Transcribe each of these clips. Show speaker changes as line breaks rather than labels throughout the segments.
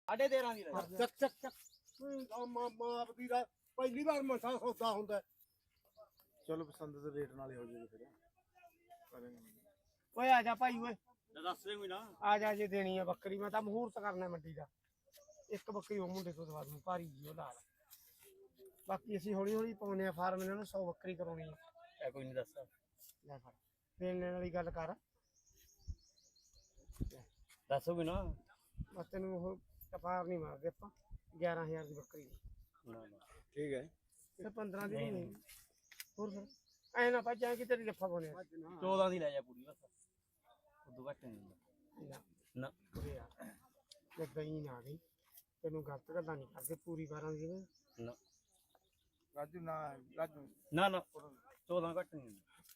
13.5 ਦੀ ਲੈ
ਚੱਕ ਚੱਕ ਚੱਕ ਮਾਪ ਦੀ ਦਾ ਪਹਿਲੀ ਵਾਰ ਮਸਾ ਸੌਦਾ ਹੁੰਦਾ।
ਚਲੋ ਪਸੰਦ ਦੇ ਰੇਟ ਨਾਲ ਹੀ ਹੋ ਜਾਏਗਾ ਫਿਰ।
ਓਏ ਆ ਜਾ ਭਾਈ ਓਏ
ਦੱਸ ਦੇ ਕੋਈ ਨਾ
ਆ ਜਾ ਜੇ ਦੇਣੀ ਆ ਬੱਕਰੀ ਮੈਂ ਤਾਂ ਮਹੂਰਤ ਕਰਨਾ ਮੰਡੀ ਦਾ। ਇੱਕ ਬੱਕਰੀ ਉਹ ਮੁੰਡੇ ਤੋਂ ਦਵਾ ਦੂੰ ਭਾਰੀ ਜੀ ਉਹ ਲਾਲ। ਬਾਕੀ ਅਸੀਂ ਹੌਲੀ ਹੌਲੀ ਪਾਉਨੇ ਆ ਫਾਰਮ ਇਹਨਾਂ ਨੂੰ 100 ਬੱਕਰੀ ਕਰਾਉਣੀ ਆ।
ਕੋਈ ਨਹੀਂ ਦੱਸ
ਲੈ ਫੜ ਦੇਣ ਵਾਲੀ ਗੱਲ ਕਰ
ਦੱਸੋ ਕੋਈ ਨਾ
ਬਸ ਤੈਨੂੰ ਉਹ ਕਪਾਰ ਨਹੀਂ ਮਾਰਦੇ ਆਪਾਂ 11000 ਦੀ ਬੱਕਰੀ
ਠੀਕ ਹੈ
ਤੇ 15 ਦੀ ਨਹੀਂ ਹੋਰ ਫਿਰ ਐ ਨਾ ਭੱਜਾਂ ਕਿ ਤੇਰੀ ਜੱਫਾ ਪਾਉਣੇ
14 ਦੀ ਲੈ ਜਾ ਪੂਰੀ ਬਸ ਉਦੋਂ ਘੱਟ ਨਹੀਂ ਨਾ
ਉਰੇ ਆ ਜੇ ਗਈ ਨਾ ਗਈ ਤੈਨੂੰ ਗਲਤ ਗੱਲਾਂ ਨਹੀਂ ਕਰਦੇ ਪੂਰੀ 12 ਦੀ
ਨਾ
ਰਾਜੂ ਨਾ ਰਾਜੂ
ਨਾ 14 ਘੱਟ ਨਹੀਂ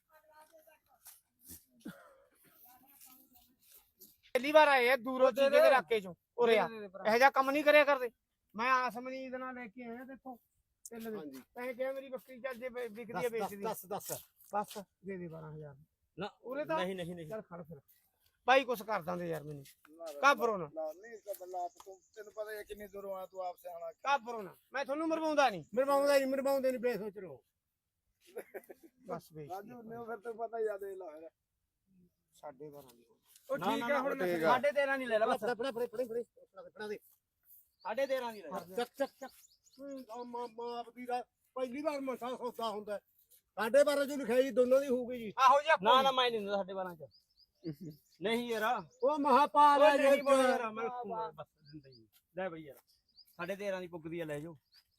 ਪਹਿਲੀ ਵਾਰ ਆਏ ਆ ਦੂਰੋਂ ਚੀਜ਼ੇ ਦੇ ਇਲਾਕੇ ਚੋਂ ਉਰੇ ਆ ਇਹੋ ਜਿਹਾ ਕੰਮ ਨਹੀਂ ਕਰਿਆ ਕਰਦੇ। ਮੈਂ ਆਸਮਨੀ ਦੇ ਨਾਲ ਲੈ ਕੇ ਆਇਆ ਦੇਖੋ ਤਿੰਨ ਦੇ ਤੈਂ ਕਿਹਾ ਮੇਰੀ ਬੱਕਰੀ ਚੱਲ ਜੇ ਵਿਕਦੀ ਹੈ ਵੇਚਦੀ
ਦੱਸ
ਬਸ ਦੇ ਦੇ 12000
ਨਾ
ਉਰੇ ਤਾਂ
ਨਹੀਂ
ਚੱਲ ਖੜ ਫਿਰ ਭਾਈ ਕੁਛ ਕਰ ਦਾਂਦੇ ਯਾਰ ਮੈਨੂੰ ਕਾਬਰੋ ਨਾ
ਨਹੀਂ ਕਬਲਾ ਤੈਨੂੰ ਪਤਾ ਹੈ ਕਿੰਨੀ ਦੂਰੋਂ ਆ ਤੂੰ ਆਪ ਸੇ ਆਣਾ
ਕਾਬਰੋ ਨਾ ਮੈਂ ਤੁਹਾਨੂੰ ਮਰਵਾਉਂਦਾ ਨਹੀਂ
ਮਰਵਾਉਂਦੇ ਨਹੀਂ ਬੇਸੋਚ ਲੋ
ਬਸ ਵੇਚ
ਰਾਜੂ ਨੇ ਫਿਰ ਤੇ ਪਤਾ ਹੀ ਆ ਦੇ ਲਾ ਫਿਰ
12.5 ਦੀ
ਉਹ ਠੀਕ ਹੈ ਹੁਣ
ਠੀਕ ਆ।
13.5 ਨਹੀਂ ਲੈ ਲੈ ਬਸ
ਫੜਾ ਦੇ
13.5 ਦੀ ਲੈ
ਚੱਕ ਚੱਕ ਚੱਕ ਮਾਪ ਦੀ ਦਾ ਪਹਿਲੀ ਵਾਰ ਮਸਾ ਸੌਦਾ ਹੁੰਦਾ। 12.5 ਜੋ ਲਿਖਾਈ ਦੋਨੋਂ ਦੀ ਹੋਊਗੀ ਜੀ।
ਆਹੋ ਜੀ
ਨਾ ਮੈਂ ਨਹੀਂ ਦਿੰਦਾ 12.5 ਚ ਨਹੀਂ ਯਾਰ
ਉਹ ਮਹਾਪਾਲ ਹੈ
ਨਹੀਂ ਬੋਲ ਯਾਰ ਮੈਂ ਰੱਖੂਗਾ ਬਸ ਦਿੰਦਾ ਹੀ ਲੈ ਬਈ ਯਾਰ 13.5 ਦੀ ਪੁੱਗਦੀ ਆ ਲੈ ਜਾਓ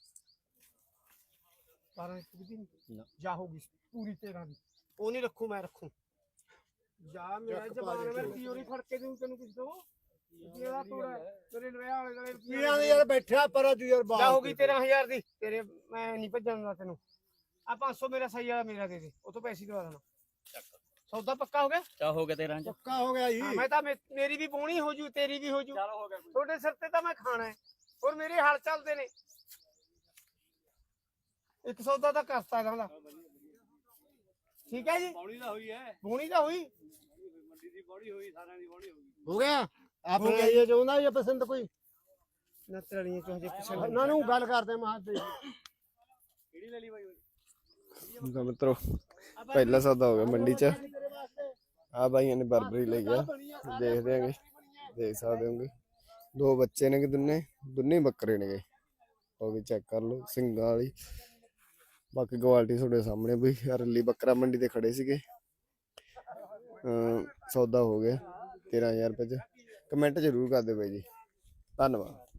12 ਦੀ
ਨਾ।
ਜਾ ਹੋਗੀ ਪੂਰੀ 13 ਦੀ ਉਹ ਨਹੀਂ ਰੱਖੂ ਮੈਂ ਰੱਖੂ ਜਾ ਮੇਰਾ ਜ਼ਬਾਨ ਮੈਂ ਪੀਓਰੀ ਫੜ ਕੇ ਦੂੰ ਤੈਨੂੰ ਕਿਸ ਦੋ ਜਿਹੜਾ ਤੋੜਾ ਤੇਰੇ ਵਿਆਹ ਵਾਲੇ ਨਾਲੇ
ਪੀਰਾਂ ਦੇ ਯਾਰ ਬੈਠਿਆ ਪਰ ਅੱਜ ਯਾਰ
ਜਾ ਹੋਗੀ 13000 ਦੀ ਤੇਰੇ ਮੈਂ ਨਹੀਂ ਭੱਜਣ ਦਿੰਦਾ ਤੈਨੂੰ ਆ 500 ਮੇਰਾ ਸਹੀ ਵਾਲਾ ਮੇਰਾ ਦੇ ਦੇ ਉਹ ਤੋਂ ਪੈਸੇ ਦਵਾ ਦੇਣਾ ਸੌਦਾ ਪੱਕਾ ਹੋ ਗਿਆ
ਚਾ ਹੋ ਗਿਆ 13 ਚ
ਪੱਕਾ ਹੋ ਗਿਆ ਜੀ।
ਮੈਂ ਤਾਂ ਮੇਰੀ ਵੀ ਪੋਣੀ ਹੋ ਜੂ ਤੇਰੀ ਵੀ ਹੋ ਜੂ
ਚਲੋ ਹੋ ਗਿਆ
ਤੁਹਾਡੇ ਸਿਰ ਤੇ ਤਾਂ ਮੈਂ ਖਾਣਾ ਹੈ ਹੋਰ ਮੇਰੇ ਹਾਲ ਚੱਲਦੇ ਨੇ ਇੱਕ ਸੌਦਾ ਤਾਂ ਕਰਤਾ ਜਾਂਦਾ ਠੀਕ ਹੈ ਜੀ
ਪੌੜੀ ਦਾ ਹੋਈ ਹੈ
ਪੋਣੀ ਤਾਂ ਹੋਈ
ਮੰਡੀ ਦੀ ਬੋੜੀ ਹੋਈ ਸਾਰਿਆਂ ਦੀ ਬੋੜੀ ਹੋਈ
ਹੋ ਗਿਆ ਆਪਣੇ ਇਹ ਚਾਹੁੰਦਾ ਜਾਂ ਪਸੰਦ ਕੋਈ
ਨਾ ਤੜੀਆਂ ਚੋਂ ਹਜੇ ਕਿਸੇ
ਉਹਨਾਂ ਨੂੰ ਗੱਲ ਕਰਦੇ ਮਾਰ ਦੇ
ਕਿਹੜੀ ਲੈ ਲਈ ਬਾਈ
ਮਿੱਤਰੋ ਪਹਿਲਾ ਸੌਦਾ ਹੋ ਗਿਆ ਮੰਡੀ ਚ ਆ ਭਾਈਆਂ ਨੇ ਬਰਬਰੀ ਲਈ ਆ ਦੇਖਦੇ ਆਂਗੇ ਦੇਖ ਸਕਦੇ ਹੋਗੇ ਦੋ ਬੱਚੇ ਨੇ ਕਿ ਦੋਨੇ ਬੱਕਰੇ ਨੇ ਉਹ ਵੀ ਚੈੱਕ ਕਰ ਲਓ ਸਿੰਘਾਂ ਵਾਲੀ ਬਾਕੀ ਕੁਆਲਿਟੀ ਤੁਹਾਡੇ ਸਾਹਮਣੇ ਬਈ ਰੱਲੀ ਬੱਕਰਾ ਮੰਡੀ ਤੇ ਖੜੇ ਸੀਗੇ ਸੌਦਾ ਹੋ ਗਿਆ 13,000 ਰੁਪਏ ਚ ਕਮੈਂਟ ਜ਼ਰੂਰ ਕਰ ਦਿਓ ਬਾਈ ਜੀ ਧੰਨਵਾਦ।